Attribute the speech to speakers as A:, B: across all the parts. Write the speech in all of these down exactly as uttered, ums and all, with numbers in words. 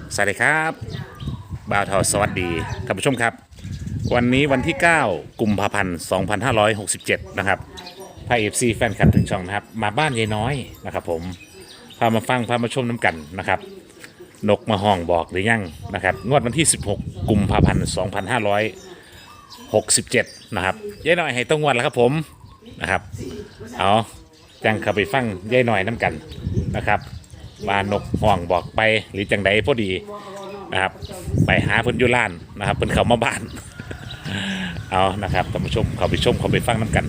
A: สวัสดีครับบ่าวทอสวัสดีท่านผู้ชมครับวันนี้วันที่เก้ากุมภาพันธ์สองพันห้าร้อยหกสิบเจ็ดนะครับพาเอฟซีแฟนคลับถึงช่องนะครับมาบ้านยายน้อยนะครับผมพามาฟังพามาชมน้ำกันนะครับนกมาห้องบอกหรือยังนะครับงวดวันที่สิบหกกุมภาพันธ์สองพันห้าร้อยหกสิบเจ็ดนะครับยายน้อยให้ต้องงวดแล้วครับผมนะครับเอาจังเข้าไปฟังยายน้อยน้ำกันนะครับว่านกห้องบอกไปหรือจังใดพอดีนะครับไปหาเพิ่นอยู่ล้านนะครับเพิ่นเข้ามาบ้านเอานะครับท่านผู้ชมเข้าไปชมเข้าไปฟังน้ำกัน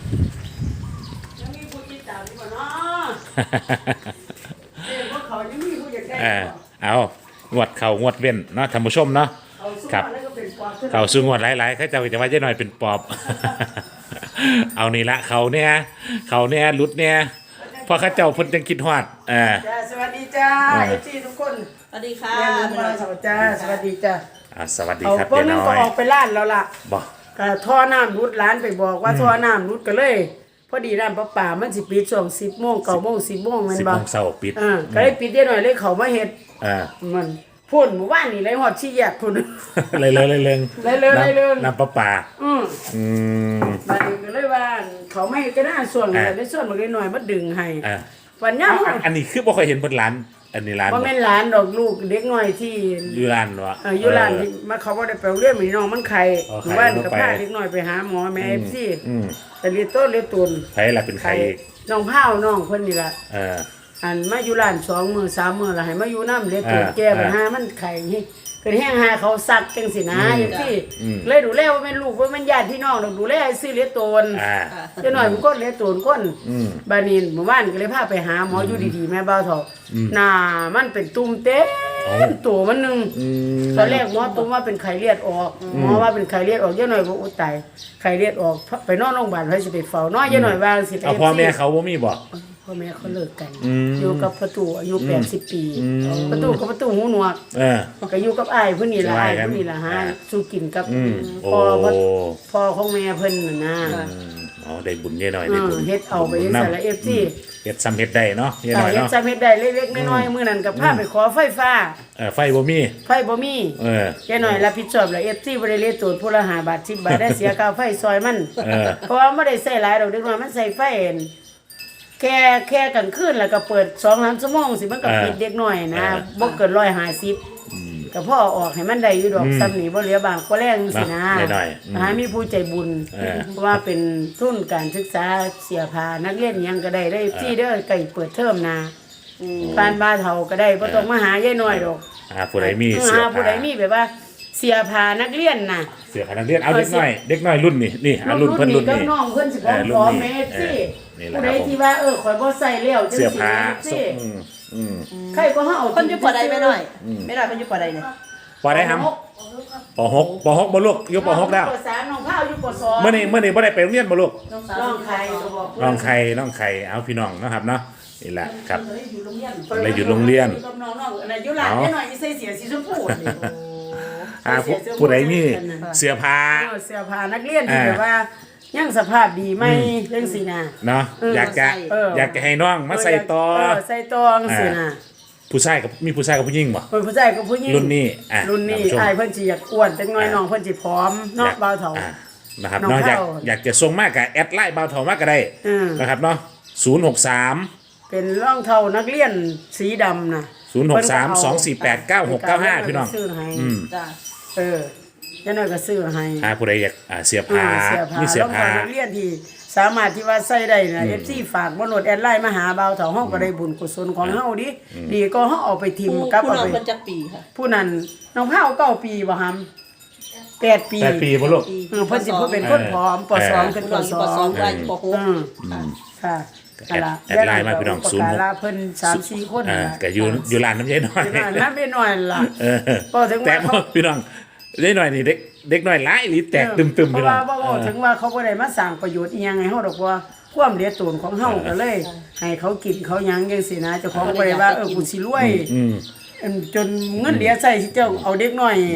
A: เออเอางวดเข่างวดเว้นเนาะท่านผู้ชมเนาะครับเข่าซื้องวดหลายๆเขาจะจะว่าเจ๊หน่อยเป็นปอบเอานี่ละเขาเนี่ยเขาเนี่ยรุดเนี่ยพอเขาเจ้าเพิ่นจังคิดฮอดเออ
B: สวัสดีจ้าเอฟซีทุกคน
C: สวัสดีค่ะ
B: สวัสดีจ้าสวัสดีจ้า
A: อ่าสวัสดีครับ
B: เจ๊น้อยก็ออกไปล้านแล้วล่ะ
A: บ่
B: ก็ท่อน้ำรุดร้านไปบอกว่าท่อน้ำรุดก็เลยพอดีร้านป้าป่ามันสิปิดช่วงสิบโมงเก้าโมงสิบโมงแม่นบ่
A: สิบโมงเช้าปิด
B: อ่าก็เลยปิดได้หน่อยเลยเขามาเฮ็ด
A: อ่า
B: มันพุ่นหมู่บ้านนี่เลยฮอดชี้แยกพุ่น
A: เลยเลยเลยเลย
B: เลยเลยเลย
A: น้ำประปา
B: อืม
A: อืม
B: บัดนี้ก็เลยว่าเขาไม่ก็น่าส่วนเลยได้ส่วนมาหน่อยมาดึงให้
A: อ่า
B: วันนี้
A: อันนี้คือบ่ค่อยเห็นบนร้านอันนี้ร้าน
B: บ่แม่นร้านดอกลูกเด็กน้อยที่
A: อยู่ร้านวะ
B: เอออยู่ร้านที่มาเขาบ่ได้ไปเรียนมีน้องมันไข้หมู่บ้านก็พาเด็กน้อยไปหาหมอแม่ เอฟ ซี
A: อืม
B: แต่เรียนต้นเรียนตุน
A: ไผล่ะเป็นไข้
B: น้องพาวน้องเพิ่นนี่ล่ะ
A: เออ
B: อันมาอยู่ร้านสองมื้อสามมื้อแล้วให้มาอยู่นำเรียนตุนแก้ปัญหามันไข้นี่ก็แห้งหาเขาซักจังซี่นะจังซี่เลยดูแลว่าแม่นลูกว่าแม่นญาติพี่น้องดอกดูแลให้ซื้อเรียนตุน
A: อ่า
B: จังหน่อยมันก็เรียนตุนคนบานี้หมู่บ้านก็เลยพาไปหาหมออยู่ดีๆแม่บ่าวเฒ่าหน้ามันเป็นตุ่มเต็มตัวมันนึงตอนแรกหมอตุ้มว่าเป็นไข้เลือดออกหมอว่าเป็นไข้เลือดออกจังหน่อยบ่อุตายไข้เลือดออกไปนอนโรงพยาบาลไว้สิไปเฝ้าน้อยจังหน่อยว่าสิไป
A: เอาพ่อแม่เขาบ่มีบ่
B: พ่อแม่เขาเลิกกันอยู่กับประตูอายุแปดสิบปีประตูกับประตูหูหนวก
A: เออ
B: ก็อยู่กับอ้ายเพิ่นนี่ล่ะอ้ายเพิ่นนี่ล่ะฮะสู้กินกับพ่อพ่อของแม่เพิ่นน่ะนะ
A: อ๋อได้บุญเยอะหน่อยได้บุญ
B: เฮ็ดเอาไปเฮ็ดใส่ละ เอฟ ซี
A: เฮ็ดซ้ำเฮ็ดได้เนาะเยอะหน่อยเนาะ
B: เฮ็ดซ้ำเฮ็ดได้เล็กๆน้อยๆมื้อนั้นก็พาไปขอไฟฟ้า
A: เออไฟบ่มี
B: ไฟบ่มี
A: เออ
B: แค่น้อยรับผิดชอบละ เอฟ ซี บ่ได้เลทตูนผู้ละห้าบาทสิบบาทได้เสียค่าไฟซอยมันเพราะว่าบ่ได้ใช้หลายดอกเด็กน้อยมันใช้ไฟแค่แค่กลางคืนแล้วก็เปิด สองถึงสาม ชั่วโมงสิมันก็ปิดเด็กน้อยนะบ่เกินหนึ่งร้อยห้าสิบก็พ่อออกให้มันได้อยู่ดอกซ้ำนี่บ่เหลือบางก็แรงสินะหามีผู้ใจบุญว่าเป็นทุนการศึกษาเสียผ้านักเรียนยังก็ได้ได้ที่เด้อไก่เปิดเทอมนะปานบ้าเฒ่าก็ได้บ่ต้องมาหายายน้อยดอก
A: หาผู้ใดมีเสียผ้า
B: ผู้ใดมีแบบว่าเสียผ้านักเรียนน่ะ
A: เสียผ้านักเรียนเอาเด็กน้อยเด็กน้อยรุ่นนี่นี่อ่ะรุ่นเพิ่นรุ่นนี่
B: น้องเพิ่นสิขอแม่สิผู้ใดที่ว่าเออข่อยบ่ใส่แล้วจังซี่
A: เสียผ้า
B: อืมอืมใครก็เฮา
C: เพิ่นอยู่ปอใดแม่น้อยแม่น้อยเพิ่นอยู่ปอใดเนี่ย
A: ปอใดครับปหกปหกบ่ลูกอยู่ปหกแล้ว
B: ปสามน้องพาวอยู่ปสอง
A: มื้อนี้มื้อนี้บ่ได้ไปโรงเรียนบ่ลูก
B: น้องไข่ก็บอก
A: น้องไข่น้องไข่เอาพี่น้องนะครับเนาะนี่แหละครับเลยอยู่โรงเรียน
B: อยู่กับน้องๆอันนั้นอยู่หลานแม่น้อยใส่เสียสีชมพูนี่
A: อ่าผู้ใดมีเสื้อผ้า
B: เสื้อผ้านักเรียนที่แบบว่ายังสภาพดีไหมเรื่องสีน่ะ
A: เนาะอยากจะอยากจะให้น้องมาใส่ต่อ
B: ใส่ต่อจังซี่น่ะ
A: ผู้ชายกับมีผู้ชายกับผู้หญิงบ่
B: ผู้ชายกับผู้หญิง
A: รุ่นนี้อ่ะ
B: รุ่นนี้อ้ายเพิ่นสิอยากอ้วนจังน้อยน้องเพิ่นสิผอมเนาะบ่าวเฒ่า
A: นะครับเนาะอยากอยากจะส่งมากก็แอดไลน์บ่าวเฒ่ามากก็ได้นะครับเนาะศูนย์หกสาม
B: เป็นรองเท้านักเรียนสีดำน่ะ
A: ศูนย์หกสาม สองสี่แปด เก้าหกเก้าห้าพี่น้อง
B: อืมจ้ะเออยันน้อยก็ซื้อให้
A: อ่าผู้ใดอยากอ่าเสียผ้ามีเสียผ้า
B: นักเรียนที่สามารถที่ว่าใส่ได้นะ เอฟ ซี ฝากบ่โหลดแอดไลน์มาหาบ่าวเฒ่าเฮาก็ได้บุญกุศลของเฮาดิดีก็เฮาเอาไปทิ่มกับ
C: เอาไปผู้นั้นเพิ่นจักปีค่ะ
B: ผู้นั้นน้องพาวเก้าปีบ่ฮัมแปดปี
A: แปดปีบ่ลูก
B: เออเพิ่นสิเพิ่นเป็นคนผอมปสองขึ้นปสอง
C: ได้ปหก
B: อืมค่ะ
A: แอดไลน์มาพี่น้องศูนย์หก
B: เพิ่น สามสี่ คน
A: อ่าก็อยู่อยู่ร้านน้ำยายน้อย
B: น้ำยายน้อยล่ะ
A: เออพอถึงว่าพี่น้องยายน้อยนี่เด็กเด็กน้อยหลายอีแตกตึมๆพี่น้อง
B: เพราะว่าถึงว่าเขาบ่ได้มาสร้างประโยชน์อีหยังให้เฮาดอกว่าความเหลือตูนของเฮาก็เลยให้เขากินเขาหยังจังซี่นะเจ้าของบ่ได้ว่าเออกูสิรวยจนเงินเหลือใช้สิเจ้าเอาเด็กน้อย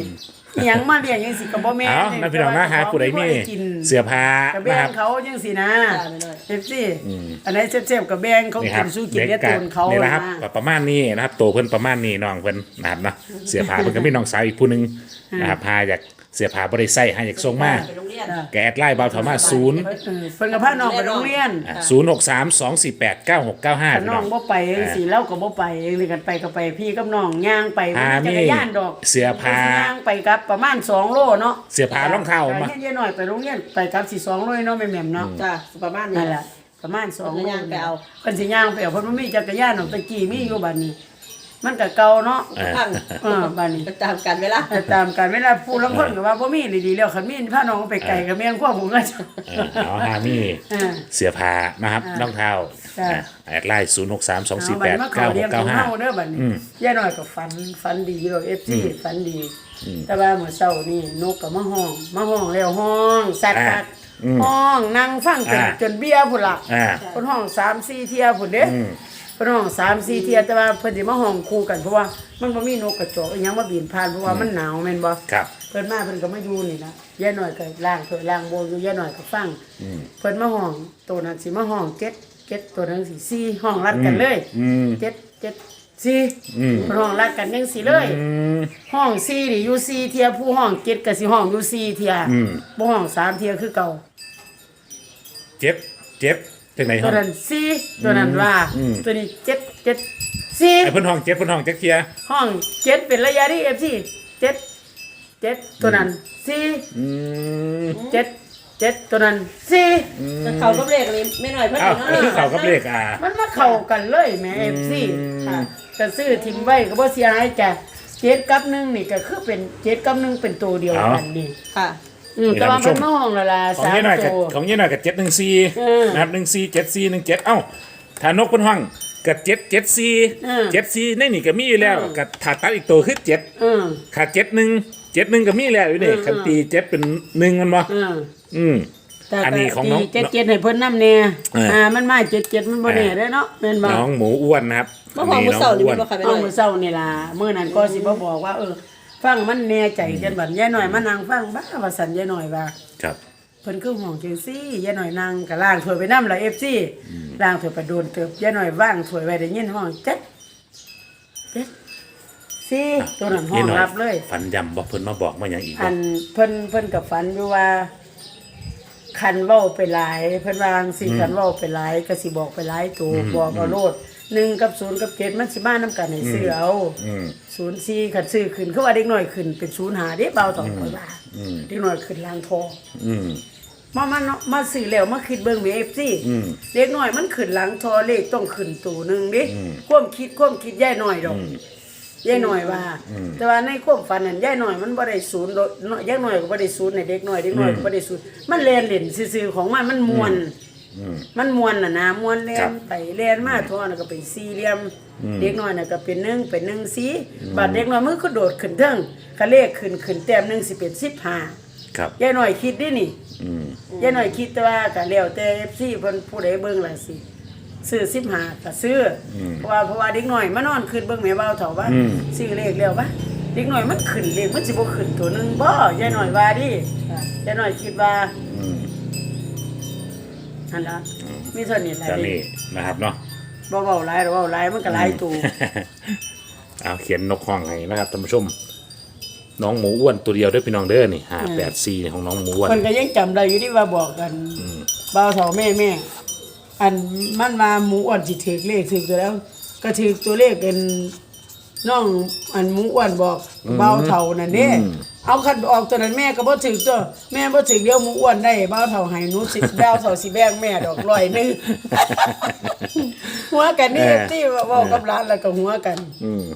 B: อิหยังมาเลี้ยงจังสิก็บ่แม่น
A: เอานะพี่น้องนะหาผู้ใดมีเสื้อผ้า
B: ก็แบ่
A: นะครั
B: ง
A: บ
B: เขาจังสินะ
C: จ้าแม่น้อย
B: เอฟซีอันไหนเจ็บๆก็แบ่งเขา
A: นี่ค
B: กิ
A: รับ
B: นสู้กิน
A: เด็ก
B: เลี้ย
A: กั
B: ตูนเขา
A: นี่แหละครับ
B: นะ
A: ประมาณนี้นะครับโตเพิ่นประมาณนี้น้องเพิ่นนะครับเนาะเสื้อผ้าเพิ่นก็มีน้องสาวอีกผู้หนึงนะครับพาอยากเสื้อผ้าบ่ได้ใส่ให้อยากส่งมา
C: ไปโรงเรียน
A: แกแอดไลน์เบาเถามาศูนย์
B: เออเพิ่นก็พาน้องไปโรงเรียน
A: ศูนย์หกสามสองสี่แปดเก้าหกเก้าห้า
B: ถ้าน้องบ่ไปจังสิเล่าก็บ่ไปเองเลยกันไปก็ไปพี่กับน้องย่างไป
A: อ่า
B: จักรยานดอก
A: เสื้อผ้า
B: ย่างไปกับประมาณสองโลเนาะ
A: เสื้อผ้ารองเท้ามา
B: เฮ็ดๆหน่อยไปโรงเรียนไปกับสิสองโลเนาะแม่ๆเนาะ
C: จ้าประมาณนี้
B: นั่นแหละประมาณสอง
C: เพิ่นก็ย่างไปเอา
B: เพิ่นสิย่างไปเอาเพิ่นบ่มีจักรยานดอกตะกี้มีอยู่บัดนี้ มันก็เก่าเนาะ
C: พัง
B: เออบัดนี้
C: ก็ตามกันเวลา
B: แต่ตามกันเวลาผู้ลางคนก็ว่าบ่มีดีๆแล้วคันมีพาน้องไปไกลก็แม่นความผมก็จะ
A: เออเอาหามี
B: เออ
A: เสื้อผ้านะครับ
B: อ่าร
A: องเท้า
B: จ้ะ
A: อ่ะแอดไลน์ศูนย์หกสามสองสี่
B: เอา
A: แป
B: บัด
A: ด
B: นี้มา
A: เก้า
B: เข้า
A: ห
B: เรีย
A: ก
B: นข
A: เก้า
B: อง
A: ห้า
B: เฮาเด้อบัดนี้ย่าน้อยก็ฝันฝันดีดอก เอฟ ซี ฝันดี แต่ว่าเมื่อเช้านี่นกก็มาห้องมาห้องแล้วห้องสัตว์กัดห้องนั่งฟังจนจนเบี้ยพุ่นล่ะ
A: อ่า
B: เพิ่นห้องสามสี่เที่ยพุ่นเด้
A: อืม
B: เพิ่นห้องสามสี่เที่ยแต่ว่าเพิ่นสิมาห้องคู่กันเพราะว่ามันบ่มีนกกระจอกอีหยังมาบินผ่านเพราะว่ามันหนาวแม่นบ่
A: ครับ
B: เพิ่นมาเพิ่นก็มาอยู่นี่นะย่าน้อยก็ล้างถ้วยล้างโบอยู่ย่าน้อยก็ฟังเพิ่นมาห้องตัวนั้นสิมาห้องเจ็ดเจ็ดตัวนั้นสิสี่ห้องรัดกันเลย
A: อืม
B: เจ็ดเจ็ดสี่
A: อืม
B: เพิ่นห้องรัดกันจังสี่เลย
A: อืม
B: ห้องสี่นี่อยู่สี่เที่ยผู้ห้องเจ็ดก็สิห้องอยู่สี่เที่ย
A: อืม
B: บ่ห้องสามเที่ยคือเก่า
A: เจ็บเจ็บจังไหนค
B: ตั
A: รั
B: ว
A: บ
B: นั้นสี่ตัวนั้นว่า
A: อืม
B: ตัวนี้เจ็ดเจ็ดสี่
A: ไอ้เพิ่นห้องเจ็บเพิ่นห้องเจ็บเทีย
B: ห้องเจ็ดเป็นระยะที่ เอฟ ซี เจ็ดเจ็ดตัวนั้นสี่
A: อืม
B: เจ็ดเจ็ดตัวนั้นสี่
C: แต่เขาก็เลขนี้ไม่น้อยเพิ่น
A: อ้าว
C: เนาะ
A: เออเขากับเลขอ่า
B: มันมาเข้ากันเลยแหม่ เอฟ ซี ค่ะก็ซื้อทิ้งไว้ก็บ่เสียหายจ้ะเจ็ดกับหนึ่งนี่ก็คือเป็นเจ็ดกับหนึ่งเป็นตัวเดียวกันนี่
C: ค่ะ
B: อืมแต่ว่ามันมาห้องและล่ะ
A: ของ
B: สาม
A: ยี่หน่อยกับ
B: ตัว
A: ของยี่หน่อยกับเจ็ดหนึ่งสี่
B: เออ
A: นะครับหนึ่งสี่เจ็ดสี่หนึ่งเจ็ดเอ้าถ้านกเพิ่นห้องกับเจ็ดเจ็ดสี่
B: เออ
A: เจ็ดสี่ในนี่ก็มีอยู่แล้วกับถ้าตัดอีกตัวคือเจ็ด
B: เออ
A: ขาดเจ็ดหนึ่งเจ็ดหนึ่งก็มีแล้วอยู่นี่
B: เออ
A: คันตีเจ็ดเป็นหนึ่งมันบ่
B: เออ
A: อืม
B: แต่
A: อันนี้ของน้อง
B: เจ็ดเจ็ดให้เพิ่นนำแน่
A: เอออ่
B: อ่ามันมาเจ็ดเจ็ดมันบ่แน่เด้อเนาะแม่นบ่
A: น้องหมูอ้วนนะครับ
C: เมื่อวานมื้อเสาร์นี่
A: อ้ว
C: มี
A: น
C: บ่ค่ะไม่
B: เอา
C: น้อย
B: มื้อเช้านี่ล่ะมื้อนั้นก็สิบ่บอกว่าเออฟังมันแน่ใจกันบัดยายหน่อยมานั่งฟังบ้าว่าสันยายหน่อยว่า
A: ครับ
B: เพิ่นคือห่วงจังซี่ยายหน่อยนั่งก็ล้างถ้วยไปนำล่ะ เอฟ ซี ล้างถ้วยไปโดนเติบยายหน่อยว่างถ้วยไว้ได้ยินห้องเจ็ดเจ็ดสี่ตัวนั้นห้องรับเลย
A: ฝันยำบอกเพิ่นมาบอกมาอย่างอีก
B: อันเพิ่นเพิ่นกับฝันอยู่ว่า คันเว้าไปหลายเพิ่นวาจั่งสิคันเว้าไปหลายก็สิบอกไปหลายตัวบอกเอาโลดหนึ่งกับศูนย์กับเจ็ดมันสิมานํกันให้ซื้อเอา
A: อืม
B: ศูนย์สี่คันซื้อขึ้นคือว่าเด็กน้อยขึ้นเป็นศูนย์หาเด้เบาต่อไปว่า
A: อืม
B: เด็กน้อยขึ้นล้างทอง
A: อืม
B: มามาเนาะมาซื้อแล้วมาคิดเบิ่ง เอฟ ซี
A: อืม
B: เด็กน้อยมันขึ้นล้างทอเลขต้องขึ้นตัวหนึงเด้
A: อืม
B: ความคิดความคิดยายน้อยดอก
A: อืม
B: ยายหน่อยว่า
A: อืม
B: แต่ว่าในความฝันนั้นยายหน่อยมันบ่ได้ศูนย์โดยน้อยยายหน่อยก็บ่ได้ศูนย์ในเด็กน้อยเด็กน้อยก็บ่ได้ศูนย์มันเล่นเล่นซื่อๆของมันมันม่วน
A: อืม
B: มันม่วนน่ะนะม่วนเล่
A: ครั
B: น
A: บ
B: ไปเล่นมาทั่วน่ะก็เป็นสี่เหลี่ยม
A: อืม
B: เด็กน้อยน่ะก็เป็นหนึ่งเป็นหนึ่งสีบัดเด็กน้อยมันก็โดดขึ้นเทิงคะเลขขึ้นขึ้นแต้มหนึงสิเป็นสิบห้า
A: ครับ
B: ยายหน่อยคิดดินี่
A: อืม
B: ยายหน่อยคิดแต่ว่าก็แล้วแต่ เอฟ ซี เพิ่นผู้ใดเบิ่งล่ะสิซื้อสิบห้าก็ซื้ออเพราะว่าเพราะว่าเด็กน้อยมานอนขึ้นเบิ่งแม่เบาเฒ่าว่า
A: อืม
B: ซื้อเลขแล้วปะเด็กน้อยมันขึ้นเลขมันสิบ่ขึ้นตัวหนึงบ่ยายหน่อยว่าดิยายหน่อยคิดว่า
A: อืม
B: อันละมีเท่านี้หลาย
A: จะนี่นะครับเนาะ
B: บ่เว้าหลายหรอกเว้าหลายมันก็หลายตัว
A: เอาเขียนนกห้องให้นะครับท่านผู้ชม น้องหมูอ้วนตัวเดียวเด้วยพี่น้องเด้อนี่ห้าแปดสี่ของน้องหมูอ้วน
B: เพิ่นก็ยังจำได้อยู่ที่ว่าบอกกันบ่าวเฒ่าแม่แม่อันมันว่าหมูอ้วนสิถูกเลขถูกตัวแล้ว ก็ถูกตัวเลขเป็นน้องอันหมูอ้วนบอกบ่าวเฒ่านั่นเด้เอาคันออกตัวนั้นแม่ก็บ่ถูกตัวแม่บ่ถูกเดียวหมูอ้วนได้บ่าวเฒ่าให้หนูสิบ่าวเฒ่าสิแบ่งแม่ดอกร้อยหนึง หัวกันนี่ที่เว้ากับหลานแล้วก็หัวกัน
A: อืม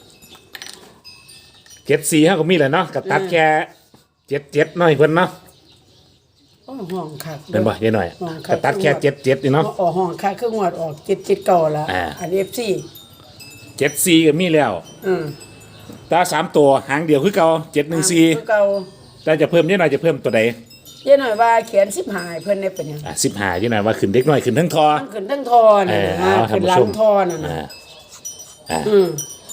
A: เจ็ดสี่เขาก็มีแหละเนาะกับตัดแค่เจ็ดเจ็ดหน่อยเพิ่นเนาะ
B: โอ้ห้องคัก
A: เป็นบ่ยายหน่อย
B: ห้องคั
A: กับตัดแค่เจ็ดเจ็ดนี่เนาะ
B: ออกห้องคักคืองวดออกเจ็ดเจ็ดเก้าละ
A: อ่า
B: อัน เอฟ ซี
A: เจ็ดสี่ก็มีแล้ว
B: อืม
A: ตาสามตัวหางเดียวคือเก่าเจ็ดหนึ่งสี่
B: คือเก่า
A: แต่จะเพิ่มยายหน่อยจะเพิ่มตัวใด
B: เยอะหน่อยว่าเขียนสิบหายเพิ่นได้เป็นหยัง
A: อ่ะสิบห้ายายหน่อยว่าขึ้นเด็กน้อยขึ้นทั้งทอ
B: มันขึ้นทั้งทอ
A: เอ
B: นี่
A: อ
B: นะ
A: เอาท่า
B: ขึ้
A: น
B: น
A: ผู้
B: หลั
A: ช
B: ง
A: ม
B: ทอนั่น
A: อ่า
B: น่ะ
A: อ่า
B: อืม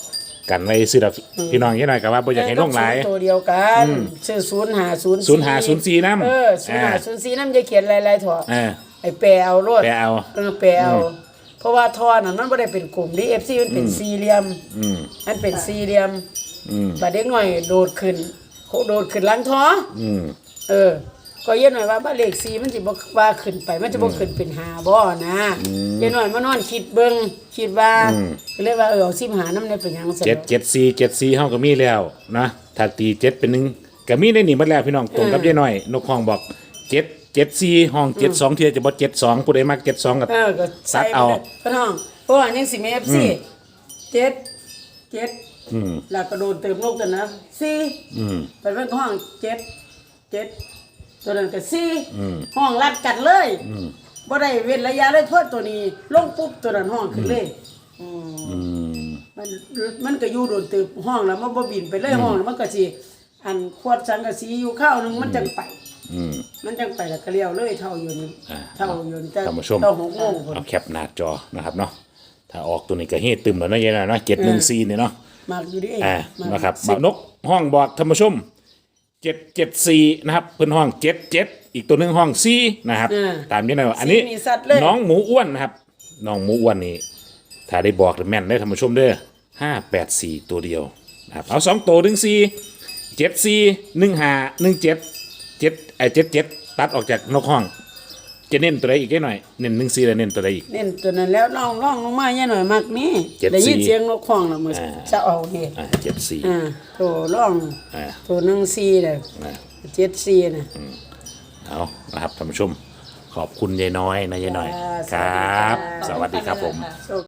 A: กันไว้ซื้อดอกพี่น้องยี่หน่อยกับว่าบ่อยากให้ลงหลาย
B: ตัวเดียวกันชื่อศูนย์หาศูนย์
A: ศูนย์หาศูนย์สี่น้ำ
B: เออศูนย์หาศูนย์สี่น้ำจะเขียนลายๆถอด
A: เออ
B: ไอ้แปรเอาโลด
A: แปรเอา
B: เออแปรเอาเพราะว่าทอน่ะมันไม่ได้เป็นกลุ่มดิเอฟซีมันเป็นสี่เหลี่ยม
A: อืม
B: มันเป็นสี่เหลี่ยม
A: อืม
B: บาดเด็กหน่อยโดดขึ้นเขาโดดขึ้นหลังท้อ
A: อืม
B: เออ ก็เย็นหน่อยว่าบ้านเลขสี่มันสิบ่ว่าขึ้นไป มันจะบ่ขึ้นเป็นหาบ่นะเย็นหน่อยมานอนคิดเบิ่งคิดว่าก็เลยว่าเออเอาสิบหาน้ำในเป็นหยังซั่น
A: เจ็ดเจ็ดสี่เจ็ดสี่เฮาก็มีแล้วนะถ้าตีเจ็ดเป็นหนึ่งก็มีในนี่หมดแล้วพี่น้องตรงกับยี่หน่อยนกห้องบอกเจ็ดเจ็ดสี่ห้องเจ็ดสองเทียจะบ่เจ็ดสองผู้ใดมักเจ็ดสองกับ
B: เออก็ใส่
A: ซัดเอา
B: ไปเลยพี่น้องเพราะว่ายังสิมี เอฟ ซี เจ็ดเจ็ด
A: อืม
B: แล้วก็โดนเติมลงกันนะสี่
A: อืม
B: เป็นเรื่องห้องเจ็ดเจ็ดตัวนั้นก็สี่
A: อืม
B: ห้องรัดกันเลยบ่ได้เว้นระยะเลยโทษตัวนี้ลงปุ๊บตัวนั้นห้องขึ้นเลย
A: อืม
B: มันมันก็อยู่โดนตึบห้องแล้วมันบ่บินไปเลยห้องแล้วมันก็สิอันควดสังกะสีอยู่ข้าวหนึงมันจังไป
A: อืม
B: มันจังไปแล้วก็เลี้ยวเลยเท่าอยู่นี่
A: อ่า
B: เท่าอยู่นี่แต่
A: ท่านผู้ชม
B: เท่าหกโมงพุ่น
A: เอาแคปหน้าจอนะครับเนาะถ้าออกตัวนี้ก็เฮ็ดตึมแล้วเนาะยี่หน่อยเนาะเจ็ดหนึ่งสี่เนี่ยเนาะ
B: มากอยู่ดิ
A: อ่า
B: มัก
A: นะครับ
B: สิ
A: บ่าวนกห้องบอกท่านผู้ชมเจ็ดเจ็ดสี่นะครับเพิ่นห้องเจ็ดเจ็ดอีกตัวหนึงห้องสี่นะครับ ตามนี้นะอันนี้
B: สี่นี่สัตว์เลย
A: น้องหมูอ้วนนะครับน้องหมูอ้วนนี่ถ้าได้บอกแม่นได้ท่านผู้ชมเด้อห้าแปดสี่ตัวเดียวนะครับเอาสองตัวหนึ่งสี่เจ็ดสี่หนึ่งห้าหนึ่งเจ็ดเจ็ดไอเจ็ดเจ็ดตัดออกจากนกห้องจะเน้นตัวใดอีกได้หน่อยเน้นหนึ่งสี่แล้วเน้นตัวใดอีก
B: เน้นตัวนั้นแล้วน้องน้องลงมาแย่หน่อยมากนี่
A: เจ็ด
B: ได้ยิน
A: สี่
B: เสียงนกข้องแล้วมือจะเอานี่
A: อ่าเจ็ดสี่
B: อ่าโตร้อง
A: อ่า
B: โตหนึ่งสี่น่ะ
A: อ่า
B: เจ็ดสี่น่ะ
A: เอานะครับท่านผู้ชมขอบคุณยายน้อยนะยายน้อย
B: จ้า
A: ครับ
B: สวัสดีค่ะ
A: สวัสดีครับผม
B: โชค